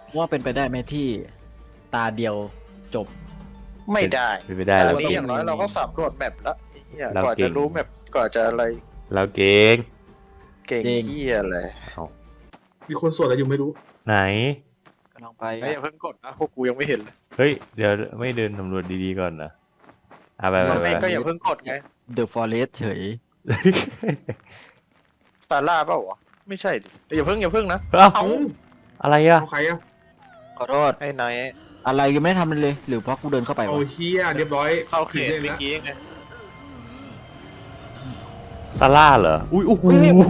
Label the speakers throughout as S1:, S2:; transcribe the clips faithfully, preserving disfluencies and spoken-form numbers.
S1: ว่าเป็นไปได้ไหมที่ตาเดียวจบ
S2: ไม่ได้
S3: เป็นไปได้
S2: แต่
S3: เรา
S2: อันนี้
S3: เก่
S2: อย่าง งน้อยเราก็สำรวจแมปแล้วไอ้เหี้ย
S3: เรา
S2: ก่อน
S3: เก่
S2: จะ
S3: ง
S2: รู้แมปก่อนจะอะไร
S3: เราเก่ง
S2: เก่ง
S1: เก่ง
S2: เหี้ยอะไร
S3: เอา
S4: มีคนสวดอะไรอยู่ไม่รู้
S3: ไหน
S1: กำลังไป
S2: ไอ้ยอย่าเพิ่งกดนะพวกกูยังไม่เห็นเลย
S3: เฮ้ยเดี๋ยวไม่เดินสำรวจดีๆก่อนนะเอาไปไป
S2: มัน
S3: ไป
S2: ไม่ก็อย่าเพิ่งกดไง
S1: เดอะฟอเรสเฉย
S2: ซาร่าเปล่าวะไม่ใช่ดิเอ้ยอย่าเพิ่งอย่าเพิ่งนะ
S3: เอ้า
S2: เอา
S3: อะไรอะ
S4: เอาใครอะ
S1: ขอโทษ
S2: ไอ้นาย
S1: อะไรยังไม่ได้ทำเลย หรือเพราะกูเดินเข้าไป
S4: เอา
S1: วะ
S4: เฮียเรียบร้อย
S2: เข้าเขต
S4: ล่น
S2: เมื่อ
S4: แล้ว
S2: กี้ไง
S3: ซาร่าเหรออุ้ยโอ้โห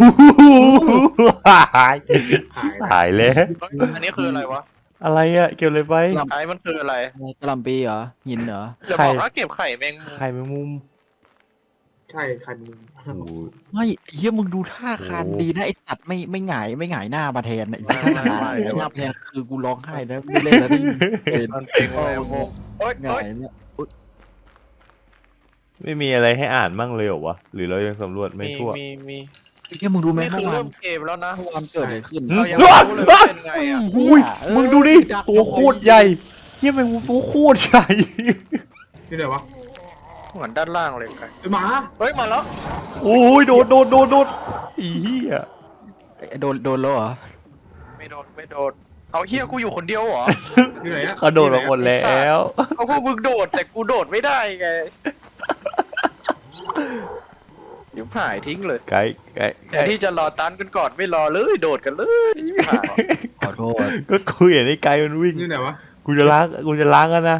S3: หาย
S4: หายแล้ว
S3: หายแล้ว
S2: เฮ้ยอันนี้คืออะไรวะ
S3: อะไรอะเกี่ยวอะไรไป
S2: ไอ้มันคืออะไร
S1: กระหลำปีเหรอหินเหรอ
S2: อย่าบอกว่าเก็บไข่แมงมุม
S3: ไข่แมงมุม
S4: ใช่ใครมึง
S3: โอ้โห
S1: ไม่เฮียมึงดูท่าคาน
S3: โอ้
S1: ดีนะไอ้สัตว์ไม่ไม่หงายไม่หงายหน้ามาแทนนะไอ้
S2: ไม่
S1: ท่า
S2: ไม่
S1: หงาย
S2: ไม่
S1: หน้ามาแทนคือกูร้องไห้นะไม่เล่นแล้วนี่เห็น
S2: มันเป็นแมงมุมเอ้ย
S1: ห
S2: เอ้
S1: งาย ยเนี่ยอุ๊ย
S3: ไม่มีอะไรให้อ่านมั่งเลยเหรอวะหรือเรายังสำรวจไม่
S2: มี
S3: ทั่ว
S2: มีมี
S1: เฮียมึงรู้ไหม
S2: นี่คื
S1: เมื่
S2: อ
S1: อวา
S2: เริ่
S1: น
S2: มเกมแล้วนะ
S1: เมื่อวานเกิดอะไรขึ้น
S3: อืม
S2: เรายังไม่รู้เลยว่าเป็นไงอ่ะ
S3: อุ้ยมึงดูดิตัวโคตรใหญ่เฮียแมงมุมตัวโคตรใหญ่
S4: นี่ไหนวะ
S2: เหมือนด้านล่างเลยไง
S4: ไอ้หมา
S2: เฮ้ยมาแล้ว
S3: โอ้ยโดนโดนโดนโดนอีเหี้ย
S1: โดนโดนแล้วเหรอ
S2: ไม่โดนไม่โดนเอาเฮียกูอยู่คนเดียวเหรอ
S4: อยู่ไหนอะ
S3: เขาโดนมาหมดแล้ว
S2: เอาพวกมึงโดดแต่กูโดดไม่ได้ไงเดี๋ยวหายทิ้งเลย
S3: ไก่ไก่
S2: แทนที่จะรอตันกันก่อนไม่รอเลยโดดกันเลยไม่หา
S1: ขอโทษ
S3: ก็คุยเห็นไอ้ไก่มันวิ่ง
S4: นี่ไหนวะ
S3: กูจะล้างกูจะล้างกันนะ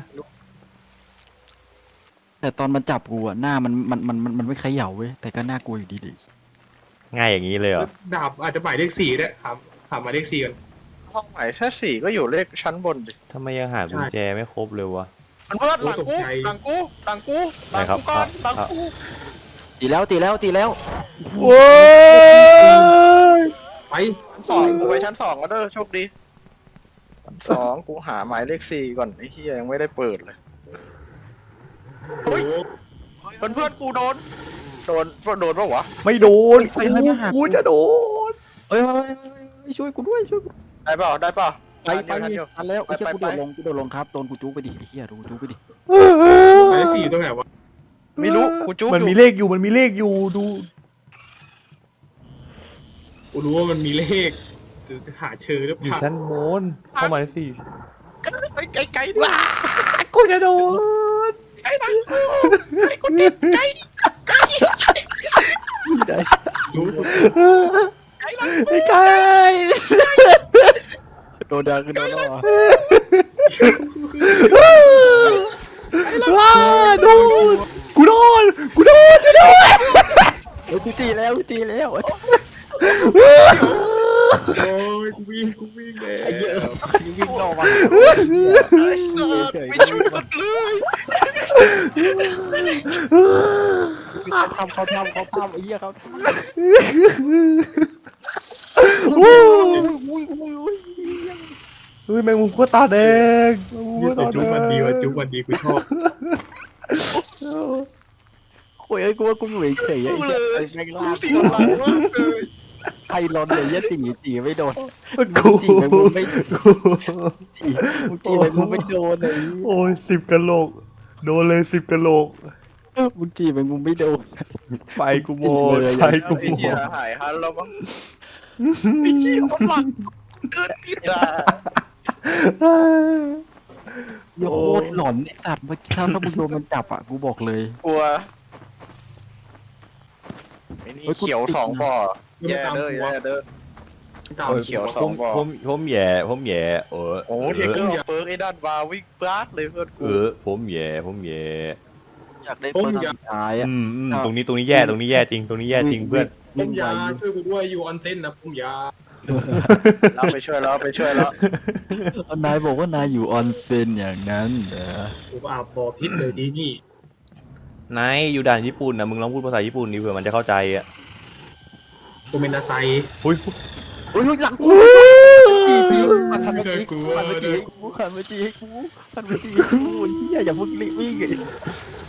S1: แต่ตอนมันจับกูอะหน้ามันมันมันมันมันไม่เขย่าเว้ยแต่ก็น่ากลัวอยู่ดีดิ
S3: ง่ายอย่างนี้เลยเหรอ
S4: ดาบอาจจะหมายเลขสี่ด้วยถามถามหมายเลขสี่กัน
S2: ห้องไหนแค่สี่ก็อยู่เลขชั้นบนดิ
S3: ทำไมยังหากุญแจไม่ครบเลยวะ
S2: มันเพื่อนหลังกูหลังกูหลังกูหลังกูก่อนหลังกู
S1: ตีแล้วตีแล้วตีแล้ว
S3: โว้ย
S4: ไป
S2: ชั้นสองกูไปชั้นสองแล้วเด้อโชคดีชั้นสองกูหาหมายเลขสี่ก่อนไอ้เฮียยังไม่ได้เปิดเลย
S4: โอ้โห
S2: เพื่อนเพื่อนกูโดนโดนโดนปะวะ
S3: ไม่โดนกูกูจะโดน
S1: เอ้ยเอ้ยเอ้ยเอ้ยช่วยกูด้วยช่วยกู
S2: ได้เปล่าได้เปล่า
S1: ไปไป
S2: ทันอยู่
S1: ทันแล้ว
S2: ไป
S1: ไอ้เชี่ย
S2: ไป
S1: กูโดด
S2: ไป
S1: ลงกูโดดลงครับโดนกูจุกไปดิไอ้เหี้ยโดนกูจุกไปดิ
S4: หมายเลขสี่อยู่ตรงไหนวะ
S2: ไม่รู้กูจุก
S3: มัน
S2: อยู่
S3: มีเลขอยู่มันมีเลขอยู่ดู
S4: กูรู้ว่ามันมีเลขจะหาเจอหรือ
S3: อ
S4: เป
S3: ยู่
S4: ล่า
S3: ชั้นบนเข้ามาสิ
S2: ไอ้ไก่ไก่ดิ
S3: กูจะโดน
S2: ไก่หลังกูไอ้กูติดไก่ไก่
S4: รู้
S2: ไก่หลัง
S3: ไอ้ไก่
S1: โดนดังกูโดนแล้วเหรอ
S3: ว้าโดนกูโดนกูโดนกูโดน
S1: เฮ้ยกูตีแล้วกูตีแล้ว
S4: โอ้ยกูวิ่งกูวิ่งเลย
S1: ไอ้เหี้ยยังวิ่งรอมา
S2: ไอ้สัตว์ไม่ช่วยกันเลย
S1: เขาทำเขาทำเขาทำไอ้เหี้ยเขาทำ
S3: โอ้ย
S1: อุ้ยอุ้ยอุ้ย
S3: เฮ้ยแมงมุมก็ตาแดงแมงมุม
S4: เหี้ย
S3: ก็
S4: แต่
S3: ตา
S4: จุ๊บ
S3: แด
S4: มันดี
S3: ง
S4: ว่ะจุ๊บมันดีกูชอบ
S1: โอ้ยไอ้กูว่ากูอยู่เฉยๆไอ้
S2: กู
S1: เหี้
S2: เลย ย
S1: แม่ง
S2: กู
S1: ลาก
S2: เสียหลังมากเลย
S1: ใครร้อนเลยเหี้ยตีตีไม่โดน
S3: กู
S1: จีแมงมุมไม่จีมึงจีแมงมุมไม่โดนไอ้
S3: โอ้ยสิบกะโหลกโดนเลยสิบกะโหลก
S1: มึงจีแมงมุมไม่โดน
S3: ไฟกูโมดไฟกู
S2: ไอ้
S3: โม
S2: เหี้ย
S3: ด
S2: หายฮันแล้วมั้งไอ้เหี้ยคนหลังเดินผิดอ่ะ
S1: โคตรหลอนไอ้สัตว์เมื่อกี้ถ้ามึงโดนมันจับอ่ะกูบอกเลย
S2: กลัวไอ้นี่เขียวสองบ่อแย่เด้อแย่เด้อ
S4: ตาม
S2: โอ้ย เขียวสองบ่อ
S3: ผมผมแย่ผมแย่เออ
S2: โอ้เทเกอร์เอาเปิร์กไอ้ด้านวาวิ่งปลาดเลยเพื่อน
S3: เอ
S2: กู
S3: อผมแย่ผมแย่
S1: อยากได้เปิดสุดท้ายอ่ะ
S3: อืมอืมตรงนี้ตรงนี้แย่ตรงนี้แย่จริงตรงนี้แย่จริงเพื่อน
S4: ผมยาช่วยกูด้วยอยู่ออนเซ็นนะผมยา
S2: เราไปช่วยแล้วไปช่วยแล้ว
S1: นายบอกว่านายอยู่ออนเซ็นอย่างนั้นเหรอ
S4: ผมอาบบ่อพิษเลยดีนี่
S3: นายอยู่ด่านญี่ปุ่นนะมึงลองพูดภาษาญี่ปุ่นดิเผื่อมันจะเข้าใจอ่ะ
S4: กูเมนนาไซ
S3: อุ้ย
S1: โอ้ยหลังกูจีจีมันทันมาจีกูมันมาจีกูมันมาจีกูมันมาจีกูเฮียอย่าเพิ่งรีบวิ่ง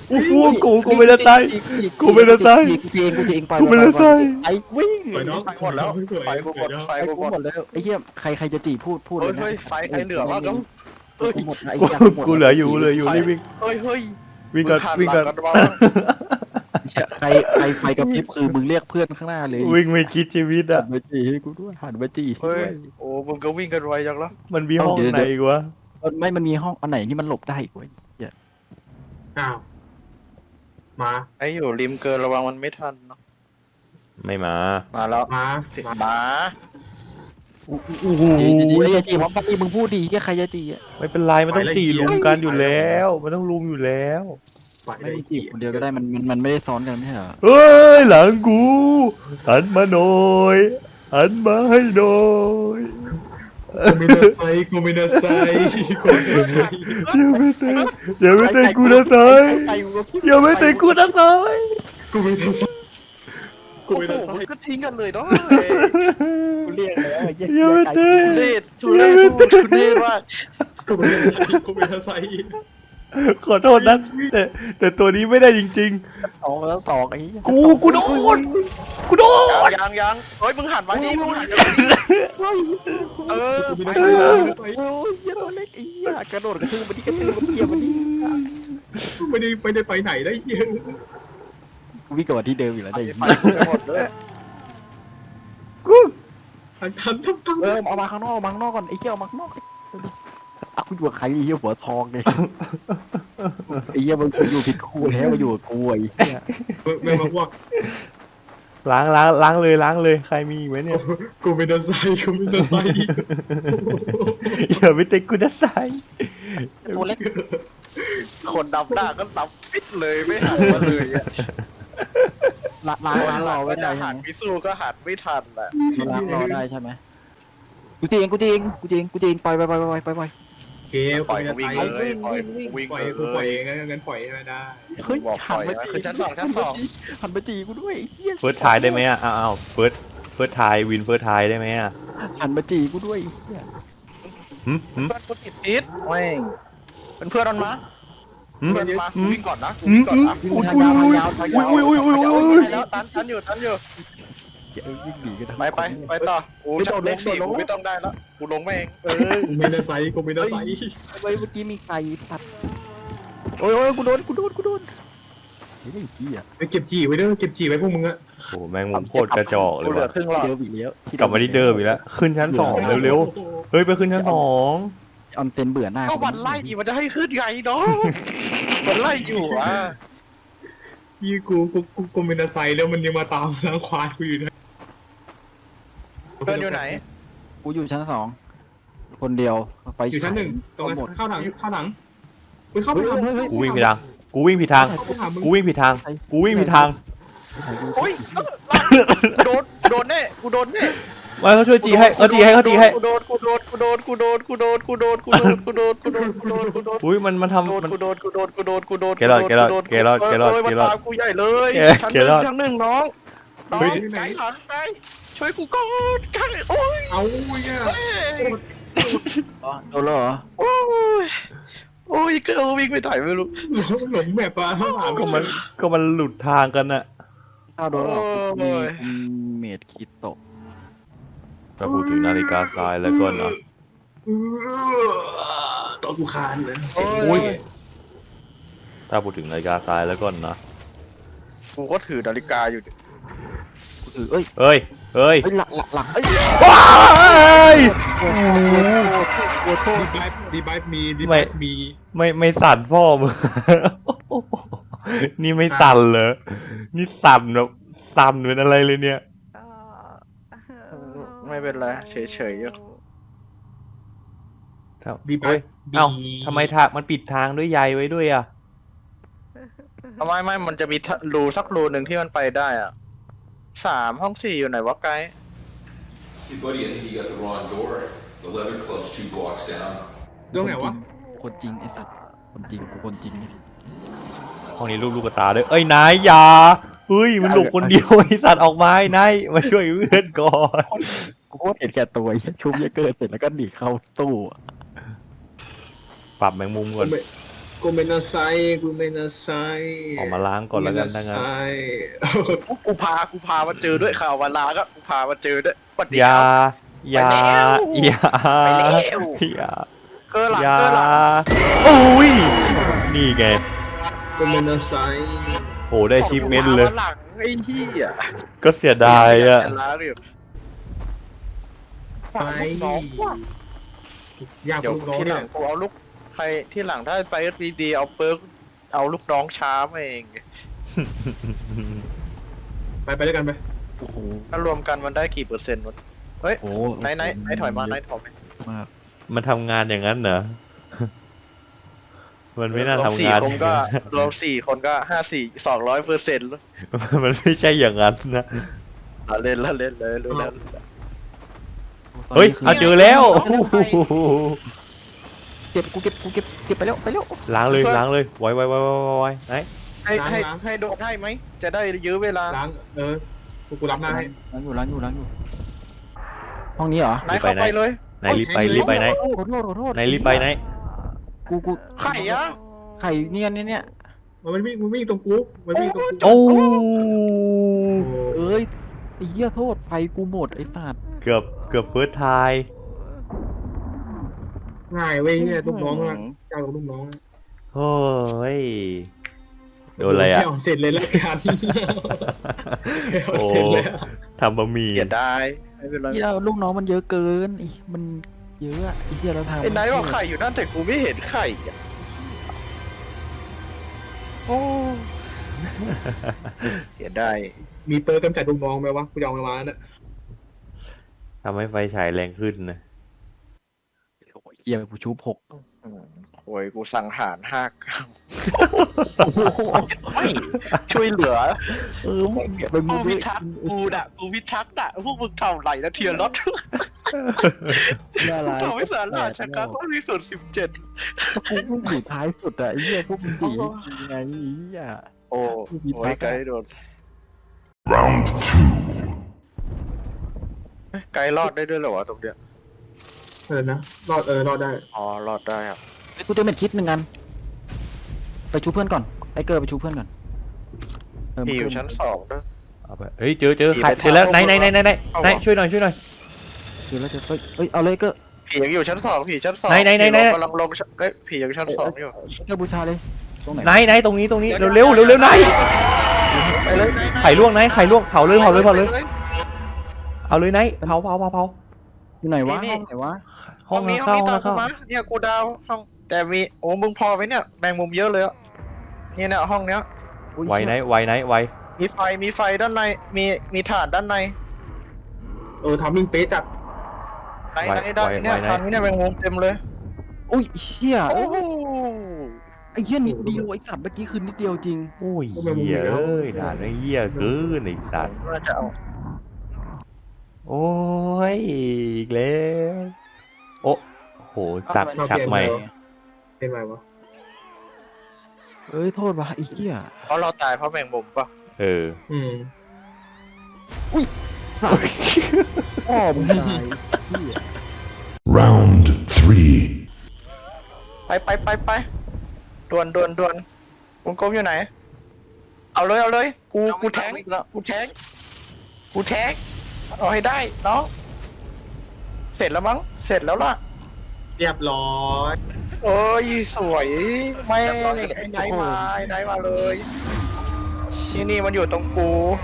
S3: โอ้โหกูกูไม่ได้ตายกูไม่ได้ตาย
S1: กูเองกูเองไป
S3: กูไม่ได้ตาย
S1: ไอ้วิ่ง
S4: ปล่อยน้อง
S2: ไฟหมดแล้ว
S4: สวย
S2: ไฟกูหมดไฟ
S1: ไอ้
S2: กู
S1: กู
S2: หม
S1: หม
S2: ด
S1: ดแล้วไอ้เหี้ยใครใครจะจีพูดพูดเล
S2: เฮ้ย
S1: ยนะ
S2: เฮ้ยไฟใครเหลือวะก็
S1: เออกูหมดไอ้
S3: กู
S1: เหี้ยหมด
S3: กูเหลืออยู่เหลืออยู่นี่วิ่ง
S2: เฮ้ยเฮ้ย
S3: วิ่งก่อน
S2: มึ
S3: วิ่ง
S2: หั
S3: ก่อน
S2: หลังกันบ้าง
S1: ใครใครไฟกระพริบคือมึงเรียกเพื่อนข้างหน้าเลย
S3: วิ่งไม่คิดชีวิต
S1: หั
S3: อ่ะ
S1: นมาจีให้กูด้วยหันมาจีให้
S2: เฮ้ย
S1: ด้วย
S2: โอ้มึงก็วิ่งกันไวจังแล้ว
S3: มันมีห้องไหนอีกวะ
S1: ไม่มันมีห้องอันไหนที่มันหลบได้อีกเว้ย
S4: อ้าวมา
S2: ไอ้อยู่ริมเกินระวังมันไม่ทันเนาะ
S3: ไม่มา
S2: มาแล้ว
S4: มา
S2: สิหมา
S3: โอ้โห
S1: ไอ้ยจีว่าปกติมึงพูดดีแค่ใครจะจีอ่ะ
S3: ไม่เป็นไรมันต้องตีลุมกันอยู่แล้ว มันต้องลุมอยู่แล้ว
S4: ปล่อย
S1: ไม่
S4: ได้
S1: ได้จีบคนเดียวก็ได้มันมันมันไม่ได้ซ้อนกันไม่ใช่เหรอ
S3: เฮ้ยหลังกูหันมาหน่อยหันมาให้หน่อย
S4: กูไม่ได้ใส่กูไม่ได้ใส่กูไม่ได้ใส่
S3: อย่าไม่เตะอย่าไม่เตะกูนะเตยอย่าไม่เตะกูนะเตย
S4: กูไม่ได้ใส่กู
S2: โอ้
S4: ไม่
S2: โห
S4: ได้ใส่
S2: มันก็ทิ้งกันเลยเนาะ
S1: กูเรียกแล้วไอ้เหี้
S3: อย่าไม่เตะ
S2: ทุเรศทุเรศทุเรศว่า
S4: กูไม่ได้ใส่กูไม่ได้ใส่
S3: ขอโทษนะแต่แต่ตัวนี้ไม่ได้จริง
S1: สองแล้วสองไอ้เหี้ย
S3: ๆ กูกูโดนกูโดน
S2: ยังยังเฮ้ยมึงหันมาดิมึงหันมาดิเออ
S4: กู
S2: ไป
S4: ไม่ได้ใส่กูไม่ได้ใส่
S1: โอ้ยเหี้ยตัวเล็กไอ้เหี้ยกระโดดกระทืบมันดิกระทืบมันเหี้ยมันดิ
S4: กูไม่ได้ไม่ได้ไปไหนได้เยอะ
S1: กูวิ่งกลับมาที่เดิมอยู่แล้วได้ยัง
S2: ไปหมดเลย
S4: ทันทันทันทัน
S1: เออเอามาข้างนอกเอามาข้างนอกก่อนไอ้เหี้ยเอามาข้างนอกอ่ะกูอยู่กับใครไอ้เหี้ยหัวทองเลยไอ้เหี้ยมึงอยู่ผิดคู่แล้วมาอยู่กับกูไอ้เหี้ย
S4: ไม่มาพวก
S3: ล้างล้างล้างเลยล้างเลยใครมีอีกไหมเนี่ย
S4: กูไม่ได้ใส่กูไม่ได้ใส่
S3: อย่าไปเตะกูนะใส่
S1: ตัวเล็ก
S2: คนดำหน้าก็สับปิดเลยไม่หันมาเลยอะ
S1: ล้างล้างล้างรอไว้ได้
S2: จะ
S1: ใช่
S2: หัน
S1: ไหม
S2: ไปสู้ก็หันไม่ทันแหละ
S1: ล้างรอได้ใช่ไหมกูจริงกูจริงกูจริงกูจริงปล่อยไปปล่อยไปปล่อยไปปล่อย
S4: เกม
S2: ปล่อย
S4: ไม่
S2: กู
S4: ได้
S2: วิ่ง
S4: ใส่
S2: เลยปล่อยกูวิ่ง
S4: ปล่อย
S2: เล
S4: กูปล่อย
S2: ย
S4: เองงั้นปล่อยไม่ได้
S1: เฮ้ย
S2: บอก
S1: หันมา
S2: ปล่อย
S1: จี
S2: คือชั้นสองชั้นสอง
S1: หันมาจีกูด้วยไอ้เหี้ย
S3: เฟิร์สทายได้ไหมอ่ะอ้าวอ้าวเฟิร์สเฟิร์สทายวินเฟิร์สทายได้ไหมอ่ะ
S1: หันมาจีกูด้วยไอ้เหี้ย
S3: หืมหืม
S2: เพื่อนกูติดพิษแม่งเป็นเพื่อนมันมา
S3: หืม
S2: เพื่อนมากูวิ่งก่อนนะกู
S3: หื
S2: วิ่
S3: ม
S2: งก่อน
S3: หืม
S2: นะ
S1: วิ่งทางยาวทางยาวทางยาว
S3: อุ้ยอุ้ยอุ้ยอุ้ยอุ้ย
S2: ไปแล้วตันตันอยู่ตันอยู่
S1: เออวิ่งหนีกันทั้ง
S2: ไปไปไปต่อกูชักเลขสี่กูไม่ต้องได้แล้วกูลงมาเองเออ
S4: กูไม่ได้ใส่กูไม่ได้ใส่
S1: เฮ้ยเมื่อกี้มีใครตัดโอ้ยโอ้ยกูโดนกูโดนกูโดนไอ้เหี้ย
S4: ไปเก็บจีไว้เด้อเก็บจีไว้พวกมึงอะ
S3: โอ้แมงมุมโคตรกระจอกเล
S2: กู
S3: ย
S2: เหลือ
S3: ว่ะ
S2: ครึ่งหลอด
S1: เดิมอีกแล้ว
S3: กลับมาที่เดิมอีกแล้วขึ้นชั้นสองเร็วๆเฮ้ยไปขึ้นชั้นสอง
S1: ออนเซนเบื่อหน้า
S2: ก็วันไล่อีมันจะให้ขึ้นไงเนาะมันไล่อยู่อ่ะ
S4: ยี่กูกูกูกูไม่ได้ใส่แล้วมันยังมาตามล้างควายกูอยู่นะ
S2: เพื่อนอยู่ไหน
S1: กูอยู่ชั้นสองคนเดียวไฟ
S4: อยู่ชั้นหนึ่งตรง
S1: หมด
S4: นั้นเข้าหลังเข้าหลังไปเข้าไปทำ
S3: กูวิ่งผิดทางกูวิ่งผิดทาง
S4: เข้าไปทำมึง
S3: กูวิ่งผิดทางกูวิ่งผิดทาง
S2: โอ้ยโดนโดนแน่กูโดนแน่
S3: มาเขาช่วยตีให้เขาตีให้เขาตีให้
S2: กูโดนกูโดนกูโดนกูโดนกูโดนกูโดนกูโดนกูโดนกูโดนกูโดนกูโดน
S3: อุ้ยมันมัน
S2: โดน
S3: ทำมัน
S2: กูโดนกูโดนกูโดนกูโดน
S3: เกรอดเกรอดเกรอดเกรอด
S2: เอ้ย
S3: เกรอด
S2: มันตามกูใหญ่เลย
S3: เกรอด
S2: ชั้นหนึ่งชั้นหนึ่งน้องน้อง
S3: เฮ้ย
S2: ไก่หลังไก่ช่วยกูก่อนไก่โอ้ย
S4: เอาเนี่ย
S2: เอ้ย
S1: โดนแล้วเหรอ
S2: โอ้ยโอ้ยเกิร์ลวิ่งไปไหนไม่รู้
S4: หลงแบบอ่ะข้างหลัง
S3: ก็มันก็มันหลุดทางกันน่ะ
S1: ข้าวโดนแล้วเหรอ
S2: โอ้ย
S1: มีเมดคิโตะ
S3: ถ้าพูดถึงนาฬิกาทรายแล้วก็นะ
S4: ตัวกูคานเลย
S3: อุ้ยถ้าพูดถึงนาฬิกาทรายแล้วก็นะ
S2: กูก็ถือนาฬิกาอยู่ดิ
S1: กูถือเอ้ย
S3: เอ้ยเอ้ย
S1: เฮ้ยหลักหลักหลักเอ้ย
S3: ว้าย
S1: โอ้โหโอ้โห
S4: ดีไบดีไบมีดีไบมี
S3: ไม่ไม่สั่นพ่อมึง นี่ไม่สั่นเหรอนี่สั่นแบบสั่นเป็นอะไรเลยเนี่ย
S2: ไม่เป็นไรเฉยๆอยู่
S3: ครับ
S4: ดีไบ
S3: เฮ้ยเอ้าทำไมทางมันปิดทางด้วยใยไว้ด้วยอ่ะ
S2: ทำไมไม่มันจะมีรูสักรูหนึ่งที่มันไปได้อ่ะสามห้องสี่อยู่ไหนวะไกด์
S5: Hey buddy, I think you got the wrong door. The leather club's two blocks down.
S4: ตรงไหนวะ
S1: คนจริงไอ้สัตว์คนจริงกูคนจริง
S3: ห้องนี้ลูกลูกตาด้วยเอ้ยนายอยาเฮ้ยมันหลบคนเดียวไอ้สัตว์ออกมาไอ้นายมาช่วยเพื่อนก่อน
S1: กูโคตรเห็นแก่ตัวไอ้เหี้ยชุบเยอะเกินเสร็จแล้วก็หนีเข้าตู้อะ
S3: ปรับแมงมุมก่อน
S4: ผกูเมนาไซกูเมนาไซ
S3: ออกมาล้างก่อนแล้วกันถ้างั้น
S2: กูกูพากูพามาเจอด้วยข่าววันลาก็กูพามาเจอด้วยสวัสดี
S3: อย่า
S2: ครับ
S3: อย่า
S2: ไปแล้ว
S3: อย่า
S2: ไปแล้ว
S3: อย่า
S2: เกอร์หลัง
S3: อย่า
S2: เกอร์หลัง
S3: โอ้ยนี่ไง
S4: กูเมนาไซ
S3: โหได้ชิปเมนต์เลย
S2: กูพามาหลังไอ้ที่อ่ะ
S3: ก็เสียดายอ่ะ
S2: จะล้าเลย
S4: ไป
S2: น้องว่ะ
S4: อยาก
S2: เดี๋ยว
S4: ลูกน้อง
S2: ที่ห
S4: เนี่
S2: ลั
S4: ย
S2: งกูเอาลูกใครที่หลังถ้าไปดีๆเอาเปิร์กเอาลูกน้องช้ามาเอง
S4: ไปไปด้วยกันไป
S1: โอ้โห
S2: ถ้ารวมกันมันได้กี่เปอร์เซ็นต์วะเฮ้ย
S1: โอ้โห
S2: ไหนไหนไหนถอยมาไหนถอยมา
S1: มาก
S3: มันทำงานอย่างนั้นเหรอ มันไม่น่าร
S2: วม
S3: ทำ
S2: สี่
S3: งาน
S2: คนก็รวมสี่คนก็ห้าสี่สองร้อยเปอร์เซ็นต์แล้ว
S3: มันไม่ใช่อย่างนั้นนะ
S2: ละเล่นละเล่นเลยรู้แล้ว
S3: เฮ้ย
S1: ตน
S3: เอา
S1: นี้
S3: เจอแล้ว
S1: เก็บกูเก็บกูเก็บเก็บไปแล้วไปแล้ว
S3: ล้างเลยล้างเลยไวไวไวไวไวไหน
S2: ให้ให้ให้โดนให้ไหมจะได้ยื้อเวลา
S4: ล้างเออกูกูรับหน้าให้
S1: ล้างอยู่ล้างอยู่ล้างอยู่ห้องนี้เหรอ
S2: ไหนเข้าไปเลย
S3: ไหนรีบไปรีบไปไหน
S1: ขอโทษขอโทษ
S3: ไหนรีบไปไหน
S1: กูกู
S2: ไข่อะ
S1: ไข่เนี่ยเนี่ยเนี่ย
S4: มันวิ่งมันวิ่งตรงกูมันวิ่งตรงกู
S3: โอ้
S1: เอ้ยไอ้เหี้ยโทษไฟกูหมดไอ้สัตว์
S3: เกือบเกือบเฟิร์สไทาย
S4: ง่ายเว้ยเนี่ยลูกน้องอะเจ้าของลูกน้อง
S3: โอ้ยโดนอะไรอ่ะ
S4: เสร็จเลยแล้วการที่
S3: โอ้
S4: เสร็จแล้ว
S3: ทำบะหมี่
S2: อย่าได้ไม่เป็นไร
S1: เหี้ยลูกน้องมันเยอะเกินไอ้มันเยอะอะไอ้เหี้ยเราทำ
S2: ไอ้ไหนว่าไข่อยู่นั่นแต่กูไม่เห็นไข่อะโอ้อย่าได้
S4: มีเปิร์กำจัดลูกน้องไหมวะกูจะเอามาเนี่ย
S3: ทำให้ไฟฉายแรงขึ้นนะ
S1: โอ้ยเหี้ยกูชูหก
S2: อืมโอ้ยกูสังหารห้าเก้า
S1: โอ้โห
S2: ไม่ช่วยเหลือ
S1: เออมึงเป็น
S2: กู
S1: มึง
S2: พิทักษ์กูน่ะกูพิทักษ์น่ะพวกมึงทำไรนะเทียร์รถ
S1: อะไร
S2: ทำให้สารราชการก็มีส่วนสิบเจ็ด
S1: กูเพิ่งอยู่ท้ายสุดอะไอ้เหี้ยพวกมึงจียังไงไอ้เหี้ย
S2: โอ้โหไกด์โดน
S5: Round two.
S2: ไกด์รอดได้ด้วยเหรอวะตรงเนี้ย
S4: เออนะรอดเออรอดได้
S2: อ๋อรอดได้ครับ
S1: ไอ้กูจะเป็นคิดหนึ่งกันไปชูเพื่อนก่อนไอ้เกอร์ไปชูเพื่อนก่อนเ
S2: พี่อยู่ชั้นสองด้วย
S3: เอาไปเฮ้ยเจอเจอ
S2: ผี
S3: ใคร
S2: ไป
S3: เจอแล้ว
S2: ทาง
S3: ไหนไหนไหนไหนไหน
S2: เอา
S3: ไหน
S2: วะ
S3: ช่วยหน่อยช่วยหน่อย
S1: เดี๋ยวเราจะเฮ้ยเฮ้ยเอาเลยเกอร์
S2: ผียังอยู่ชั้นสองผีชั้นสอง
S3: ไหนไหนไหนไหน
S2: ผีกำลังลงชั้นเอ้ยผียังชั้นสองอยู่
S1: เกอร์บูชาเลยตรงไหน
S3: ไหนไหนตรงนี้ตรงนี้เร็วเร็วเร็วเร็วไหน
S2: ไปเลย
S3: ไข่ลวกไหนไข่ลวกเผาเลยเผาเลยเผาเลยเอาเลยไหนเผาเผาเผาเผา
S1: อยู่ไหนวะห้องไหนวะ
S3: ห้
S2: ห้
S3: อ
S2: อง งนี้ห้
S3: เข้า
S2: องนี้
S3: ห้
S2: ตา
S3: อง
S2: มกู
S3: เข้า
S2: มาเนี่ยกูดาวห้องแต่มีโอ้มึงพอไหมเนี่ยแบ่งมุมเยอะเลยอะนี่เนี่ยห้องเนี้ย
S1: อุ๊ย
S3: ไวไหนไวไหนไว
S2: มีไฟมีไฟด้านในมีมีถ่านด้านใน
S4: เออทำมิ่งเป๊ะจัด
S2: ไหนไหนด้านเนี่ยถ่านนี้เนี่ยแบ่งมุมเต็มเลย
S1: อุ้ยเหี้ย
S2: โอ้โห
S1: ไอ้เหี้ยนิดเดียวไอ้สัตว์เมื่อกี้คือนิดเดียวจริง
S3: โอ้ยเหี้ยเอ้ยด่านไอ้เหี้ยเกินไอ้สัตว์
S2: น่าจะเอา
S3: โอ้ยอีกแล้วโอ้โหจักชักใหม่
S4: เป็นไรวะ
S1: เอ้ยโทษวะไอ้เหี้ย
S2: เพราะเราตายเพราะแบ่งมุมปะ
S3: เออ
S4: อืม
S1: พ่อมึงตายเหี้ย
S5: Round three.
S2: ไปไปไปไปด่วนด่วนด่วนวงกลมอยู่ไหน เอาเลยเอาเลย กูกูแทงกูแทงกูแทงเอาให้ได้น้องเสร็จแล้วมั้งเสร็จแล้วล่ะ
S4: เรียบร้อย
S2: โอ้ยสวยไม่ไอ้ไหนมาไอ้ไหนมาเลยที่นี่มันอยู่ตรงกู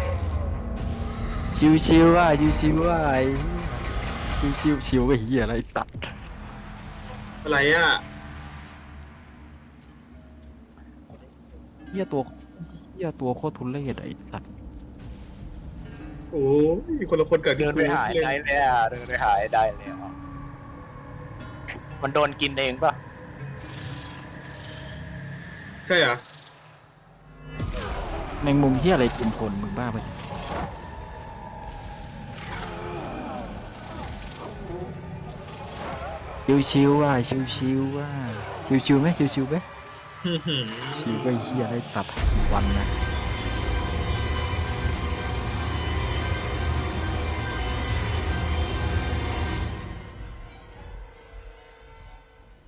S1: ชิวชิวๆว่ะชิวชิวๆว่ะไอ้ชิวชิวๆชิวไอ้เหี้ยอะไรไอ้สัตว์
S4: อะไรอ่ะ
S1: เหี้ยตัวเหี้ยตัวโคตรทุเรศไอ้สัตว์
S4: โอ้ยคนละคนเกิด
S2: เดินไปหายได้แล้วเดินไปหายได้แล้วมันโดนกินเองป่ะ
S4: ใช่เหรอ
S1: แมงมุมเหี้ยอะไรกินคนมึงบ้าไปชิวชิวๆว่ะชิวชิวๆว่ะชิวชิวๆไหมชิวชิวๆไหมชิวไปเหี้ยอะไรสัตว์กี่วันนะ